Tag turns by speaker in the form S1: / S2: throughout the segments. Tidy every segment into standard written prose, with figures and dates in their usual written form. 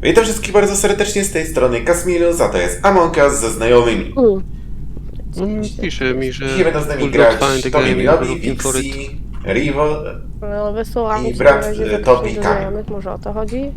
S1: Witam wszystkich bardzo serdecznie z tej strony Kasmilus, a to jest Among Us ze znajomymi.
S2: Pisze mi, że...
S1: Dzisiaj będą z nami
S2: Could
S1: grać
S2: not find the
S1: Tobi
S2: game,
S1: Milobi,
S2: looking for it.
S1: Vixi, Rivo
S3: No, wysłałam
S1: i
S3: ci
S1: brat
S3: na razie
S1: Tobi
S3: zaproszeń do
S1: Kamil.
S3: znajomych, może o to chodzi?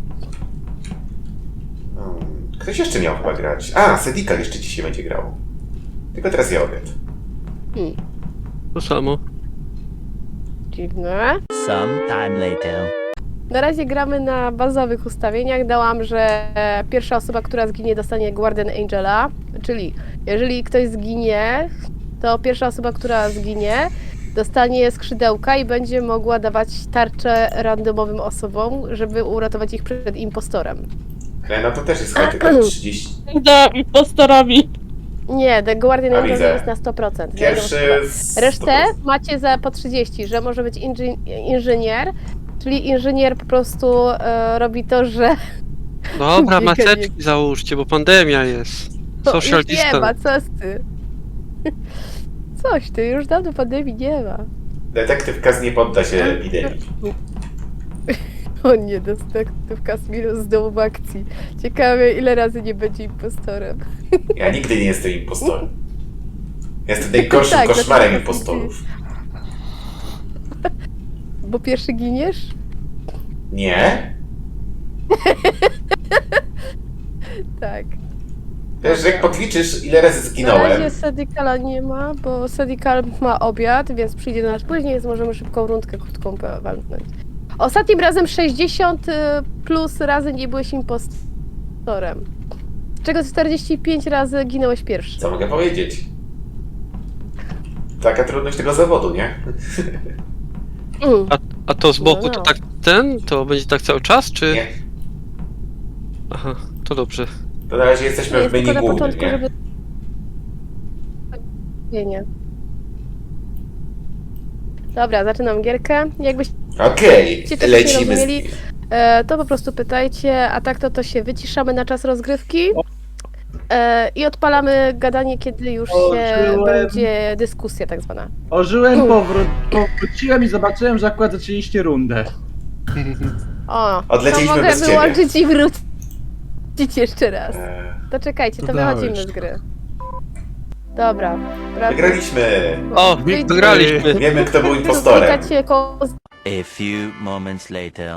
S1: Ktoś jeszcze miał chyba grać. A, Sedikal jeszcze dzisiaj będzie grał. Tylko teraz ja obiad.
S2: To samo.
S3: Dziwne.
S4: Sometime later.
S3: Na razie gramy na bazowych ustawieniach. Dałam, że pierwsza osoba, która zginie, dostanie Guardian Angela. Czyli jeżeli ktoś zginie, to pierwsza osoba, która zginie, dostanie skrzydełka i będzie mogła dawać tarczę randomowym osobom, żeby uratować ich przed impostorem.
S1: No to też jest chyba tylko 30.
S5: Za impostorami.
S3: Nie, The Guardian
S1: A,
S3: Angel
S1: widzę.
S3: jest na 100%.
S1: Pierwszy
S3: Resztę macie po 30, że może być inżynier, czyli inżynier po prostu robi to, że
S2: Dobra,
S3: Bieganie.
S2: maseczki załóżcie, bo pandemia jest. Social
S3: już nie ma,
S2: distance.
S3: coś ty. Coś ty, już dawno pandemii nie ma.
S1: Detektyw Kaz nie podda się epidemii.
S3: O nie, detektyw Kasmilus z domu akcji. Ciekawe, ile razy nie będzie impostorem.
S1: Ja nigdy nie jestem impostorem. Jestem najgorszym
S3: Tak,
S1: koszmarem
S3: dlatego
S1: impostorów.
S3: Bo pierwszy giniesz?
S1: Nie?
S3: Tak.
S1: Wiesz, że jak podliczysz, ile razy
S3: Na
S1: zginąłem,
S3: razie Sedikala nie ma, bo Sedikal ma obiad, więc przyjdzie do nas później, więc możemy szybką rundkę krótką walnąć. Ostatnim razem 60 plus razy nie byłeś impostorem. Z czego 45 razy ginąłeś pierwszy.
S1: co mogę powiedzieć? Taka trudność tego zawodu, nie?
S2: A to z boku
S3: No.
S2: to tak to będzie tak cały czas, czy...
S1: Nie.
S2: Aha, to dobrze.
S1: To na razie jesteśmy w
S3: Jest
S1: menu
S3: tylko na
S1: głównym,
S3: początku,
S1: nie?
S3: żeby... Nie. Dobra, zaczynam gierkę. Jakbyście
S1: Okej,
S3: coś nie
S1: lecimy
S3: rozumieli,
S1: z...
S3: to po prostu pytajcie, a tak to się wyciszamy na czas rozgrywki i odpalamy gadanie, kiedy już się
S6: Ożyłem.
S3: będzie dyskusja tak zwana.
S6: Ożyłem, powróciłem i zobaczyłem, że akurat zaczęliście rundę.
S3: O,
S1: Odleciliśmy
S3: to mogę
S1: bez ciebie.
S3: wyłączyć i wrócić jeszcze raz. To czekajcie, to wychodzimy z gry. Dobra.
S1: Wygraliśmy!
S2: O, wygraliśmy.
S1: Wiemy, kto był impostorem.
S4: A few moments later.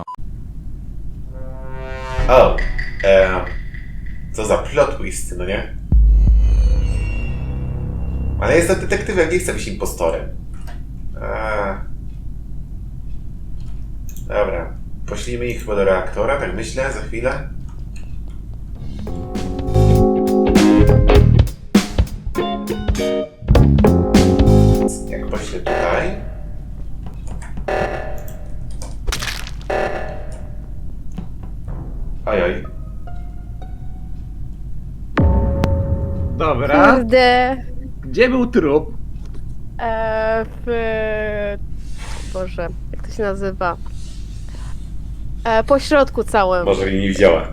S1: O, co za plot twist, no nie? Ale jestem detektywem, nie chcę być impostorem. Dobra, poślijmy ich chyba do reaktora, tak myślę, za chwilę. Jak poślę tutaj... Ojoj.
S6: Dobra,
S3: Kurde.
S6: gdzie był trup?
S3: Boże, jak to się nazywa? Po środku całym.
S1: Może mnie nie widziała.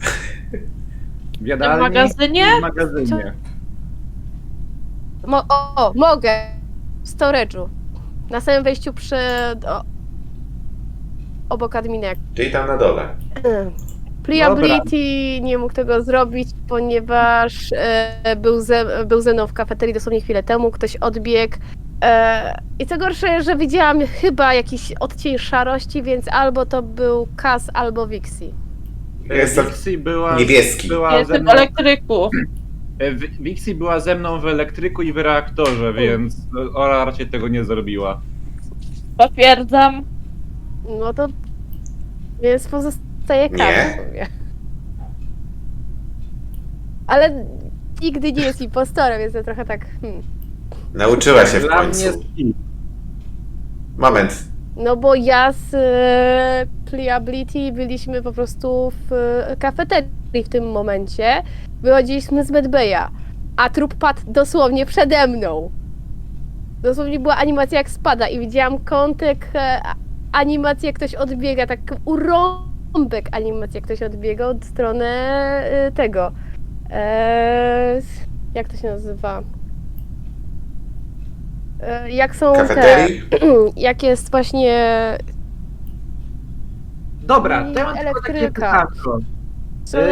S6: W jadalni?
S5: W magazynie?
S6: W magazynie.
S3: Mogę. W storage'u. Na samym wejściu obok adminek.
S1: Czyli tam na dole.
S3: Pliability nie mógł tego zrobić, ponieważ był ze mną w kafeterii dosłownie chwilę temu, ktoś odbiegł. I co gorsze, że widziałam chyba jakiś odcień szarości, więc albo to był Kaz, albo Vixi.
S1: Jestem
S6: Vixi była,
S1: niebieski.
S6: była ze
S5: Jestem w
S6: mną,
S5: elektryku.
S6: Vixi była ze mną w elektryku i w reaktorze, więc Ora raczej tego nie zrobiła.
S5: Potwierdzam.
S3: No to więc pozostaje Kaz
S1: Nie.
S3: w sumie. Ale nigdy nie jest impostorem, więc to trochę tak...
S1: Nauczyła się w
S6: Dla
S1: końcu.
S6: mnie skip.
S1: Moment.
S3: No bo ja z Pliability byliśmy po prostu w kafeterii w tym momencie. Wychodziliśmy z Medbaya, a trup padł dosłownie przede mną. Dosłownie była animacja jak spada i widziałam kątek animacji jak ktoś odbiega, tak urąbek animacji jak ktoś odbiega od strony tego. Jak to się nazywa? Jak są
S1: Kafeterii?
S3: jak jest właśnie
S6: Dobra,
S3: I
S6: to ja mam tylko takie
S3: elektryka.
S6: pytanko.
S3: Strony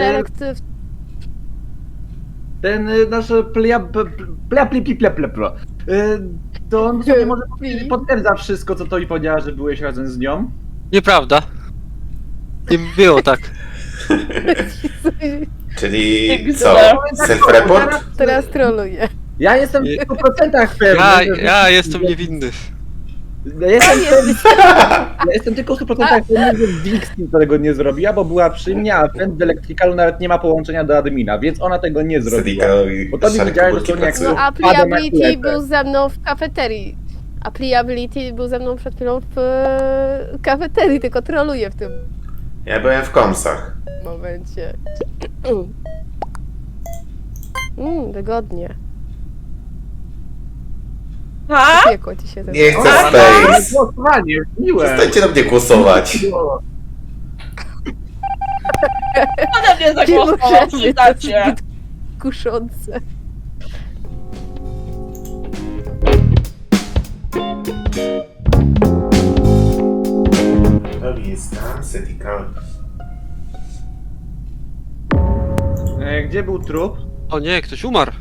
S6: Ten nasz to on sobie może potwierdza wszystko, co to i powiedziała, że byłeś razem z nią.
S2: Nieprawda. Nie było tak.
S1: Czyli
S5: Jak
S1: co?
S5: zwykle.
S1: Self-report?
S3: Teraz troluję.
S6: Ja jestem w 100% pewny.
S2: Ja jestem niewinny.
S6: Ja jestem tylko w 100% pewny, że Dixie tego nie zrobiła, bo była przy mnie, a Friend w Electricalu nawet nie ma połączenia do admina, więc ona tego nie zrobiła.
S1: Sedika
S6: Bo to
S1: i
S6: mi
S1: szare
S6: widziałem, że
S1: komórki
S6: to nie jak
S1: pracują.
S3: No, a
S6: Pada na
S3: Pliability
S6: klepę.
S3: był ze mną w kafeterii. A Pliability był ze mną przed chwilą w kafeterii, tylko troluję w tym
S1: Ja byłem w komsach.
S3: momencie. Wygodnie.
S5: Ha?
S3: Piekło ci się
S1: Nie chcę
S3: zepsuło.
S1: space.
S6: Głosowanie, miłe.
S1: Przestańcie na mnie głosować.
S5: Ode mnie
S3: Nie
S5: zagłosował,
S3: możemy, to
S5: przyznacie.
S3: zbyt kuszące.
S1: Robi jest tam, Sedika.
S6: Gdzie był trup?
S2: O nie, ktoś umarł.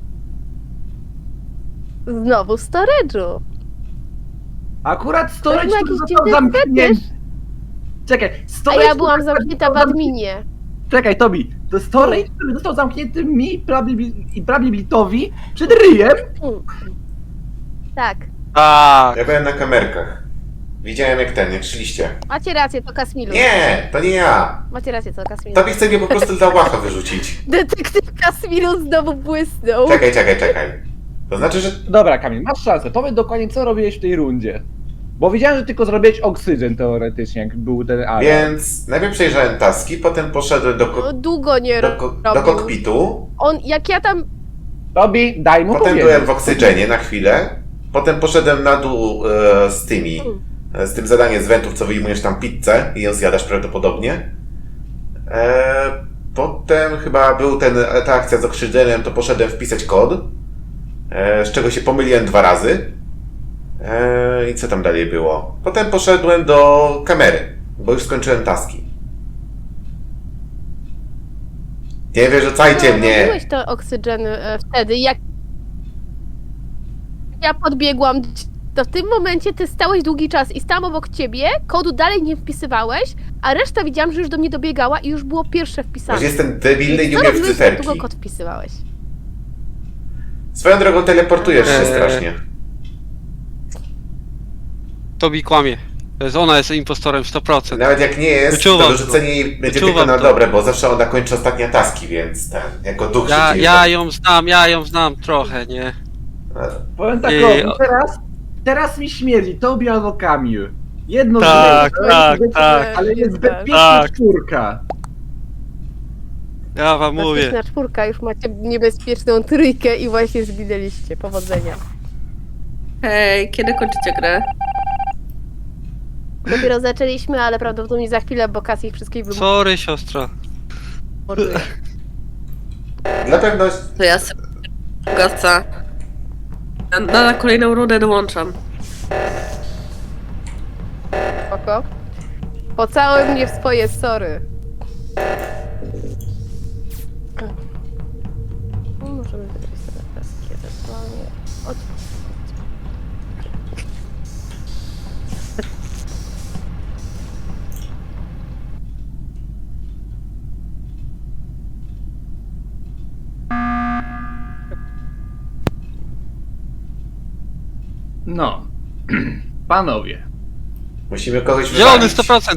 S3: Znowu w storage'u.
S6: Akurat storage,
S3: To był
S6: który
S3: jakiś
S6: został
S3: dziwny
S6: zamknięty. Czekaj,
S3: A
S6: storage...
S3: ja byłam zamknięta w adminie.
S6: Czekaj, Tobi, to storage, który został zamknięty mi i Prabliblitowi przed ryjem.
S3: Tak.
S2: Tak.
S1: Ja byłem na kamerkach. Widziałem jak szliście.
S3: Macie rację, to Kasmilu.
S1: Nie, to nie ja.
S3: Macie rację, to Kasmilu.
S1: Tobie chce mnie po prostu dla łacha wyrzucić.
S3: Detektyw Kasmilu znowu błysnął.
S1: Czekaj. To znaczy, że...
S6: Dobra, Kamil, masz szansę. Powiedz dokładnie, co robiłeś w tej rundzie. Bo widziałem, że tylko zrobiłeś oksygen teoretycznie, jak był ten alarm.
S1: Więc najpierw przejrzałem taski, potem poszedłem
S3: No, długo nie
S1: do
S3: robił.
S1: kokpitu.
S3: On, jak ja tam...
S6: Tobi, daj mu
S1: Potem
S6: powiedzieć.
S1: byłem w oksygenie na chwilę. Potem poszedłem na dół z tymi. Z tym zadaniem z wentów, co wyjmujesz tam pizzę i ją zjadasz prawdopodobnie. Potem chyba był ta akcja z oksygenem, to poszedłem wpisać kod. Z czego się pomyliłem 2 razy. I co tam dalej było? Potem poszedłem do kamery, bo już skończyłem taski. Nie wyrzucajcie mnie!
S3: Robiłeś to oksygen wtedy, jak... Ja podbiegłam, to w tym momencie ty stałeś długi czas i stałam obok ciebie, kodu dalej nie wpisywałeś, a reszta widziałam, że już do mnie dobiegała i już było pierwsze wpisane.
S1: Może jestem debilny i nie
S3: Co
S1: umiem w
S3: robiłeś, jak
S1: cyferki.
S3: długo kod wpisywałeś?
S1: Swoją drogą teleportujesz się strasznie.
S2: Tobi kłamie. To jest ona jest impostorem 100%.
S1: Nawet jak nie jest,
S2: Wyczuwam
S1: to
S2: to.
S1: wyrzucenie jej będzie
S2: Wyczuwam
S1: tylko na
S2: to.
S1: dobre, bo zawsze ona kończy ostatnie taski, więc jako duch się dzieje.
S2: Ja ją znam trochę, nie?
S6: Powiem tak,
S2: I-
S6: teraz mi śmierdzi, Tobi albo Kamil. Jedno
S2: Tak,
S6: z
S2: tak, tak.
S6: ale jest bezpieczna
S2: Tak.
S6: czwórka.
S2: Ja wam mówię.
S3: Bezpieczna czwórka, już macie niebezpieczną trójkę i właśnie zginęliście. Powodzenia.
S7: Hej, kiedy kończycie grę?
S3: Dopiero zaczęliśmy, ale prawdopodobnie za chwilę, bo Kas ich wszystkich
S2: Sorry, siostra.
S3: wymorduje.
S1: Dla pewności.
S7: To ja sobie gasa. Na kolejną rundę dołączam.
S3: Spoko. Pocałuj mnie w swoje sory. No, możemy wybrać sobie taski ewentualnie. Od...
S6: No, panowie.
S1: Musimy kogoś
S2: Zielony
S1: wywalić.
S2: 100%.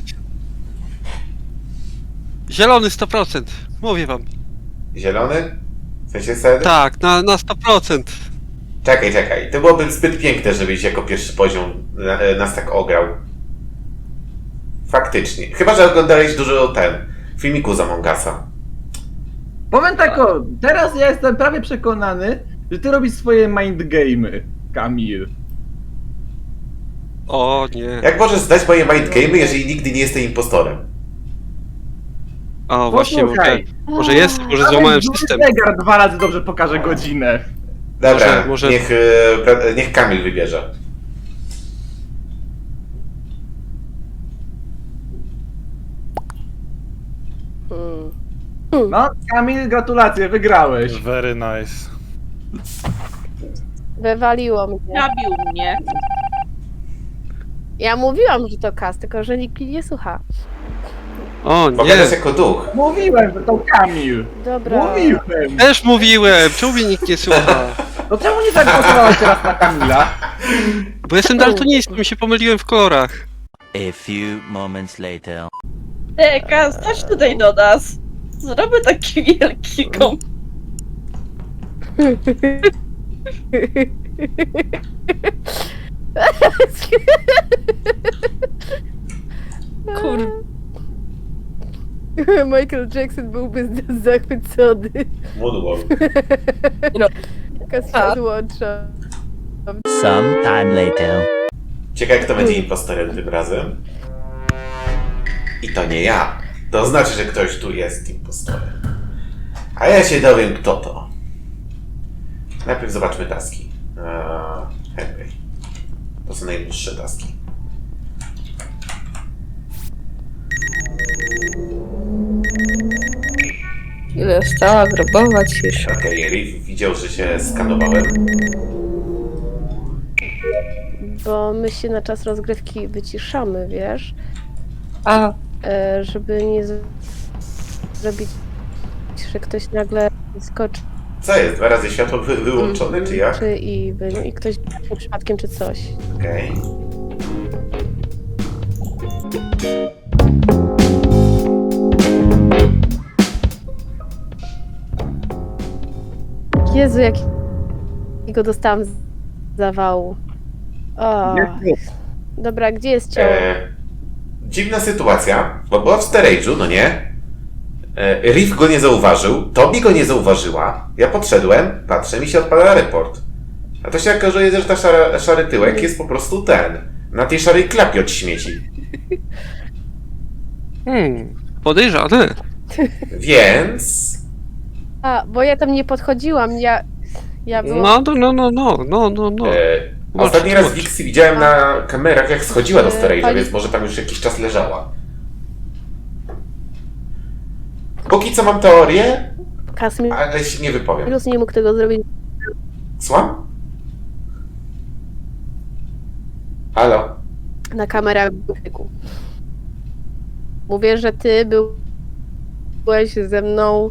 S2: Zielony 100%. Mówię wam.
S1: Zielony? W sensie sedy?
S2: Tak, na 100%.
S1: Czekaj. To byłoby zbyt piękne, żebyś jako pierwszy poziom nas tak ograł. Faktycznie. Chyba, że oglądałeś dużo filmiku z Among Usa.
S6: Powiem tak, teraz ja jestem prawie przekonany, że ty robisz swoje mind game'y, Kamil.
S2: O nie.
S1: Jak możesz zdać moje mind game'y, jeżeli nigdy nie jesteś impostorem?
S2: O właśnie,
S6: Posłuchaj,
S2: może jest, może złamałem system.
S6: Zegar 2 razy dobrze pokaże godzinę.
S1: Dobra,
S2: Może-
S1: niech Kamil wybierze.
S6: No, Kamil, gratulacje, wygrałeś.
S8: Very nice.
S3: Wywaliło mnie.
S5: Zabił mnie.
S3: Ja mówiłam, że to Kas, tylko że nikt mnie nie słucha.
S2: O
S1: Bo
S2: nie.
S1: gadasz jako duch.
S6: Mówiłem, że to Kamil.
S3: Dobra.
S6: Mówiłem.
S2: Też mówiłem, czemu mnie nikt nie słucha?
S6: No czemu nie zagłosowałaś teraz na Kamila?
S2: Bo jestem daltonistą, się pomyliłem w kolorach.
S4: A few moments later.
S5: Kas, chodź tutaj do nas. Zrobię taki wielki kom. Kur...
S3: Michael Jackson byłby zachwycony.
S1: Moonwalk.
S3: Kas się odłącza.
S4: Sometime later.
S1: Ciekawe, kto będzie impostorem tym razem. I to nie ja. To znaczy, że ktoś tu jest impostorem. A ja się dowiem, kto to. Najpierw zobaczmy taski. Henry. To są najdłuższe taski.
S7: Ile stała grobować już.
S1: Okej, Riff widział, że się skanowałem.
S3: Bo my się na czas rozgrywki wyciszamy, wiesz?
S7: A,
S3: Żeby nie zrobić, że ktoś nagle skoczy
S1: Co jest? 2 razy światło wyłączone, czy jak?
S3: i ktoś przypadkiem czy coś.
S1: Okej.
S3: Jezu, jakiego dostałam zawału. O. Dobra, gdzie jest ciało?
S1: Dziwna sytuacja, bo była w storage'u, no nie? Riff go nie zauważył, Tobi go nie zauważyła. Ja podszedłem, patrzę, mi się odpala report. A to się okazuje, że ta szary tyłek jest po prostu na tej szarej klapie od śmieci.
S2: Podejrzane.
S1: Więc...
S3: A, bo ja tam nie podchodziłam, ja byłam...
S2: No.
S1: Ostatni raz
S2: Tłumacz.
S1: Vixie widziałem na kamerach, jak schodziła do storage'a,
S3: Pani-
S1: więc może tam już jakiś czas leżała. Póki co mam teorię,
S3: Kasmir
S1: ale się nie wypowiem.
S3: nie mógł tego zrobić.
S1: Słucham? Halo?
S3: Na kamerach w biegu. Mówię, że ty byłeś ze mną...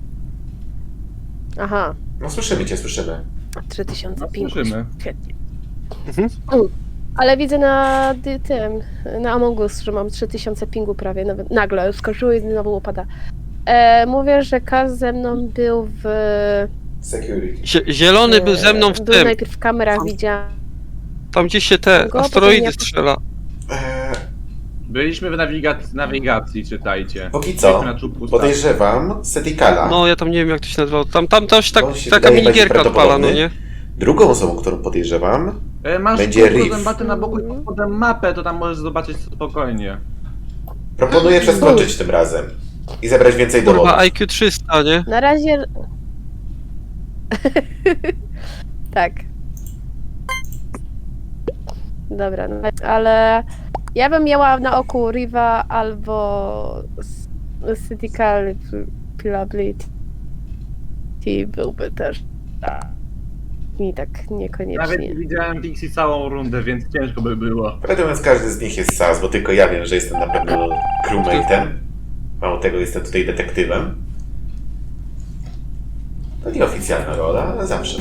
S3: Aha,
S1: No słyszymy cię, słyszymy.
S3: 3000 pingów.
S6: Słyszymy.
S3: Świetnie.
S2: Mhm.
S3: Ale widzę na Among Us, że mam 3000 pingu prawie, nawet nagle skoczyło i znowu upada. Mówię, że Kaz ze mną był w...
S1: Security.
S2: Zielony był ze mną w
S3: Był
S2: tym.
S3: najpierw w kamerach, widziałam
S2: Tam gdzieś się te
S3: Go,
S2: asteroidy
S3: potem ja-
S2: strzela.
S6: Byliśmy w nawigacji, czytajcie.
S1: Póki
S6: Byliśmy
S1: co
S6: na czubku
S1: podejrzewam Setikala.
S2: No ja tam nie wiem jak to się nazywało. Tam coś tak,
S1: On się
S2: taka
S1: wydaje
S2: minigierka
S1: bardziej
S2: odpala, no
S1: prawdopodobny.
S2: nie?
S1: Drugą osobą, którą podejrzewam,
S6: Masz
S1: Będzie
S6: kółko
S1: Riff.
S6: zębaty na boku i pod spodem mapę, to tam możesz zobaczyć spokojnie.
S1: proponuję przeskoczyć tym razem i zebrać więcej dowodów.
S2: Kurwa IQ 300, nie?
S3: na razie... tak. Dobra, no, ale ja bym miała na oku Riva albo Cytical Pilability byłby też mi tak
S6: Nawet
S3: niekoniecznie.
S6: widziałem Pixie całą rundę, więc ciężko by było.
S1: Prawdę mówiąc, każdy z nich jest sas, bo tylko ja wiem, że jestem na pewno crewmate'em. Mało tego, jestem tutaj detektywem. To nieoficjalna rola, ale zawsze.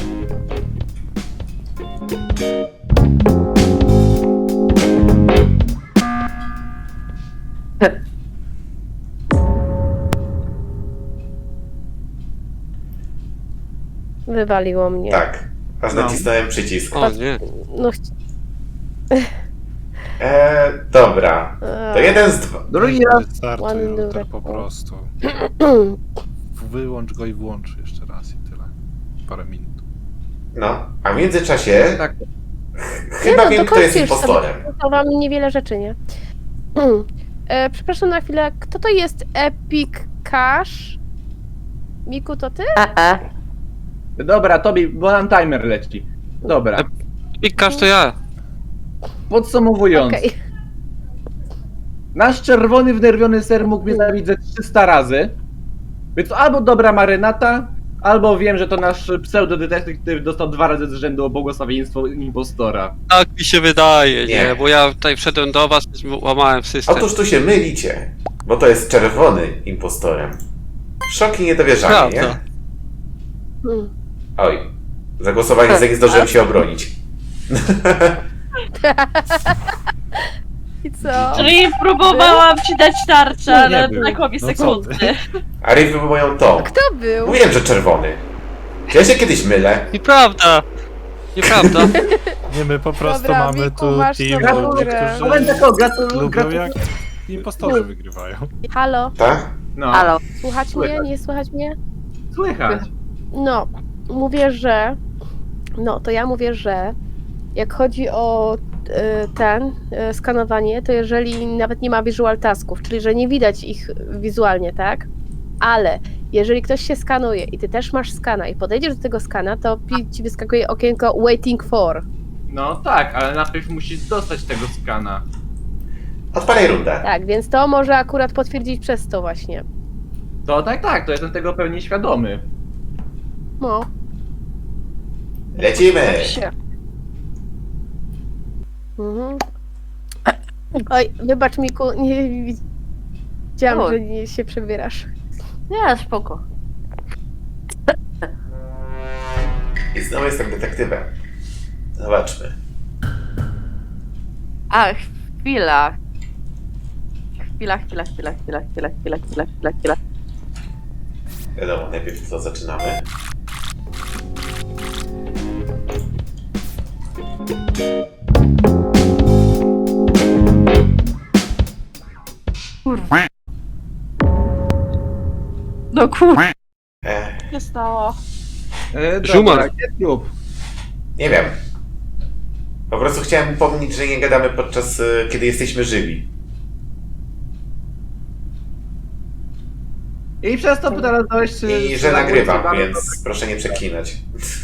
S3: Wywaliło mnie.
S1: Tak. Aż
S6: No.
S1: nacisnąłem przycisk.
S2: O nie.
S3: No,
S1: Dobra. To jeden z dwa.
S6: Drugi raz
S8: Wystartuj
S3: Ładny
S8: router
S3: durek.
S8: po prostu. Wyłącz go i włącz jeszcze raz i tyle. Parę minut.
S1: No. A w międzyczasie
S6: tak.
S1: chyba
S3: no,
S1: wiem,
S3: to
S1: kto jest
S3: kończysz
S1: impostorem.
S3: to wam niewiele rzeczy, nie? Przepraszam na chwilę, kto to jest Epic Cash? Miku, to ty?
S6: Dobra, Tobi, bo nam timer leci. Dobra,
S2: Pikasz to ja.
S6: podsumowując.
S3: Okej.
S6: Nasz czerwony, wnerwiony ser mógł mnie zabić ze 300 razy. Więc albo dobra marynata, albo wiem, że to nasz pseudodetektyw dostał 2 razy z rzędu błogosławieństwo impostora.
S2: Tak mi się wydaje,
S1: Nie.
S2: nie? Bo ja tutaj wszedłem do was, łamałem system.
S1: Otóż tu się mylicie, bo to jest czerwony impostorem. Szok i niedowierzanie, nie?
S2: Prawda.
S3: Hmm.
S1: Oj, zagłosowanie za nie zdążyłem się obronić.
S3: I co?
S5: Czyli próbowałam ci dać tarczę,
S8: Nie
S5: ale
S8: był.
S5: brakło mi
S8: No co
S5: sekundy.
S8: ty?
S1: A Riff był moją tą.
S3: Kto był?
S1: Mówiłem, że czerwony. Czy ja się kiedyś mylę?
S2: Nieprawda! Nieprawda.
S8: Nie, my po prostu
S3: Dobra,
S8: mamy
S3: Miku,
S8: tu
S3: masz
S8: team
S3: dobrą
S8: ludzi,
S3: grę.
S6: Moment,
S8: którzy
S6: tylko
S8: lubią
S6: gratuluję.
S8: jak impostorzy wygrywają.
S3: Halo?
S1: Tak?
S6: No,
S7: Halo.
S3: Słuchać mnie? Nie słychać mnie?
S6: słychać.
S3: No, mówię, że... No, to ja mówię, że jak chodzi o skanowanie, to jeżeli nawet nie ma visual tasków, czyli że nie widać ich wizualnie, tak? Ale jeżeli ktoś się skanuje i ty też masz skana i podejdziesz do tego skana, to ci wyskakuje okienko waiting for.
S6: No tak, ale najpierw musisz dostać tego skana.
S1: Odpalaj rundę.
S3: Tak, więc to może akurat potwierdzić przez to właśnie.
S6: To tak, to jestem tego pewnie świadomy.
S3: No.
S1: Lecimy!
S3: Mhm. Oj, wybacz Miku, nie widziałam,
S7: Oj.
S3: że nie się przebierasz.
S7: Nie, spoko.
S1: I znowu jestem detektywem. Zobaczmy.
S7: A, chwila. Chwila.
S1: Wiadomo, najpierw co zaczynamy.
S7: No kurwa.
S1: Ech,
S5: się stało?
S2: Żumar.
S6: Dobra, gdzie klub?
S1: nie wiem. Po prostu chciałem upomnieć, że nie gadamy podczas kiedy jesteśmy żywi.
S6: I przez to teraz dałeś...
S1: I że nagrywam, więc proszę nie przeklinać.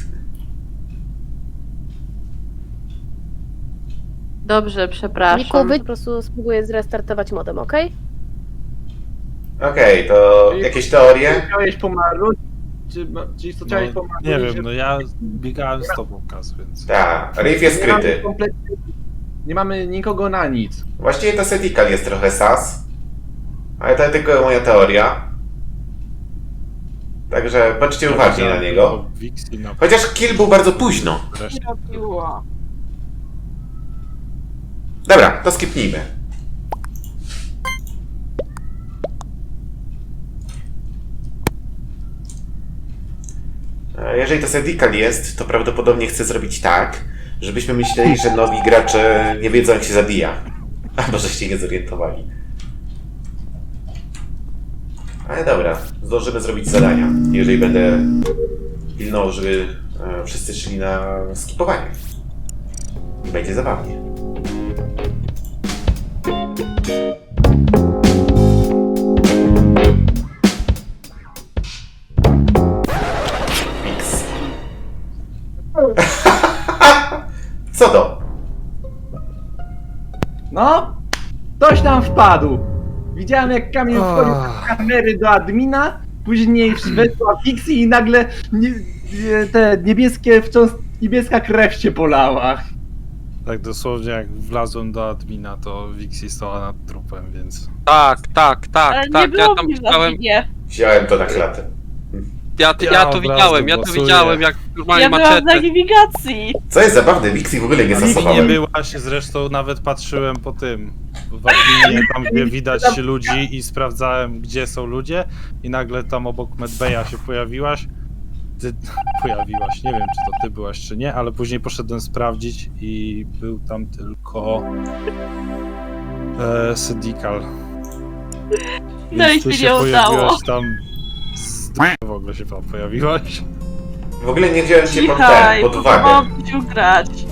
S7: Dobrze,
S3: Miku,
S7: przepraszam.
S3: po prostu spróbuję zrestartować modem, okej?
S1: Okej, to jakieś teorie?
S6: Chciałeś pomarnąć? Czy co chciałeś
S8: No,
S6: pomarnąć?
S8: nie wiem, no ja biegałem z tobą, Kaz, więc...
S1: Tak, Riff jest
S6: Nie mamy
S1: skryty.
S6: kompletnie- Nie mamy nikogo na nic.
S1: Właściwie to Sedikal jest trochę sas. Ale to tylko moja teoria. Także patrzcie uważnie na niego.
S8: Wixi na
S1: Chociaż kill był bardzo późno.
S8: resztę.
S5: Robiło.
S1: Dobra, to skipnijmy. Jeżeli to Sedikal jest, to prawdopodobnie chcę zrobić tak, żebyśmy myśleli, że nowi gracze nie wiedzą jak się zabija. Albo żeście nie zorientowali. Ale dobra, zdążymy zrobić zadania, jeżeli będę pilnował, żeby wszyscy szli na skipowanie. I będzie zabawnie. Mix. Co to?
S6: No, ktoś tam wpadł. Widziałem jak Kamil wchodził z kamery do admina, później weszła Pixie i nagle te niebieskie, wciąż niebieska krew się polała.
S8: Tak dosłownie jak wlazłem do admina, to Wixi stała nad trupem, więc...
S2: Tak.
S5: Ale nie
S2: Ja
S5: było
S2: tam
S5: mnie w
S2: widziałem,
S5: adminie.
S1: Wziąłem to na klatę.
S2: ja to
S8: od
S2: widziałem, ja
S8: razu
S2: to
S8: głosuję.
S2: widziałem jak normalnie
S5: Ja byłam na
S2: maczetę.
S5: nawigacji.
S1: Co jest zabawne, Wixi w ogóle nie
S8: Nigdy nie
S1: stosowałem.
S8: byłaś, zresztą nawet patrzyłem po tym, w adminie, tam gdzie widać ludzi i sprawdzałem gdzie są ludzie i nagle tam obok Medbeja się pojawiłaś. Ty pojawiłaś, nie wiem czy to ty byłaś czy nie, ale później poszedłem sprawdzić i był tam tylko Sedikal.
S5: No i
S8: ty
S5: się nie udało.
S8: pojawiłaś tam w ogóle się tam pojawiłaś.
S1: W ogóle nie wziąłem cię pod
S5: Cichaj,
S1: ten, pod uwagę.
S5: próbowałam ci ugrać.